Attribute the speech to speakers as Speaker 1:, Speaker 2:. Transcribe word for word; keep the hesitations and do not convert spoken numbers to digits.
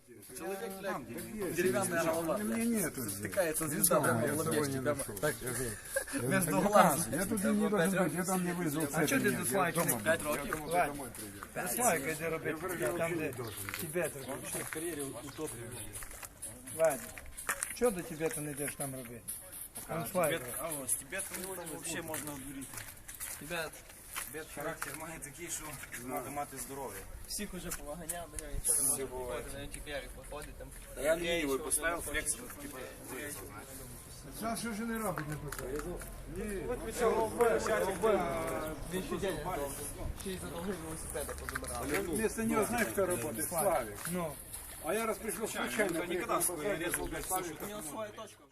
Speaker 1: Человек, блядь, деревянная голова, блядь, стыкается звезда прямо в лобешке, прямо так, между глаз.
Speaker 2: Я тут не должен быть, я там не вызвал цепь.
Speaker 3: А что ты тут слайка?
Speaker 1: п'ять років.
Speaker 3: Слайка, де робити, там де Тибет робити.
Speaker 1: В кар'єрі утоплює.
Speaker 3: Вадя, що до Тибета не йдеш там робити? Там слайка.
Speaker 1: А ось, Тибет взагалі можна одуріти. Тибет. Тибет характер має такий, що треба мати здоров'я.
Speaker 4: Всіх уже поваганяв, до нього нічого не може приходити, на ті п'ярі походить там.
Speaker 1: Я лінію поставив, флекс, типу, вирізав, знаєш.
Speaker 2: Зараз що ж не робить, не писає?
Speaker 4: Він щодень довго. Ще й задовго велосипеда позабирав.
Speaker 2: Вместо нього знаєш, хто працює? Славик.
Speaker 3: Ну.
Speaker 2: А я раз прийшов случайно.
Speaker 1: Никогда свои резал, блядь, все, что
Speaker 4: У нього своя точка.